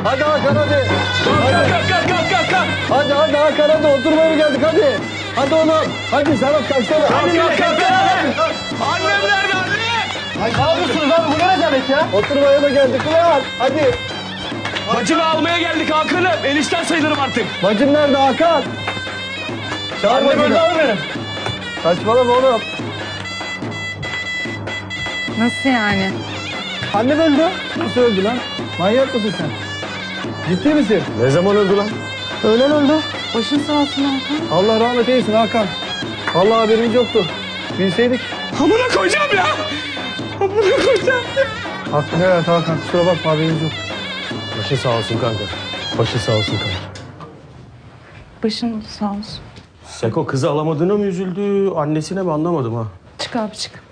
Hadi Hakan hadi. Kalk. Hadi Hakan hadi oturmaya mı geldik hadi. Hadi oğlum. Hadi Serhat kalksana. Kalk. Annem nerede anne? Ne yapıyorsunuz abi bu ne rezalet ya? Oturmaya mı geldik ulan? Hadi. Bacını almaya geldik Hakan'ım. Enişten sayılırım artık. Bacın nerede Hakan? Çağır Annem bacını. öldü abi benim. Saçmalama oğlum. Nasıl yani? Annem öldü. Nasıl öldü lan? Manyak mısın sen? Ciddi misin? Ne zaman öldü lan? Öğlen öldü. Başın sağ olsun Hakan. Allah rahmet eylesin Hakan. Vallahi haberimiz yoktu. Bilseydik. Amına koyacağım ya. Amına koyacağım ya. Hakkını evet Hakan. Kusura bakma haberimiz yok. Başı sağ olsun kanka. Başı sağ olsun kanka. Başın sağ olsun. Seko kızı alamadığına mı üzüldü, annesine mi anlamadım ha. Çık abi çık.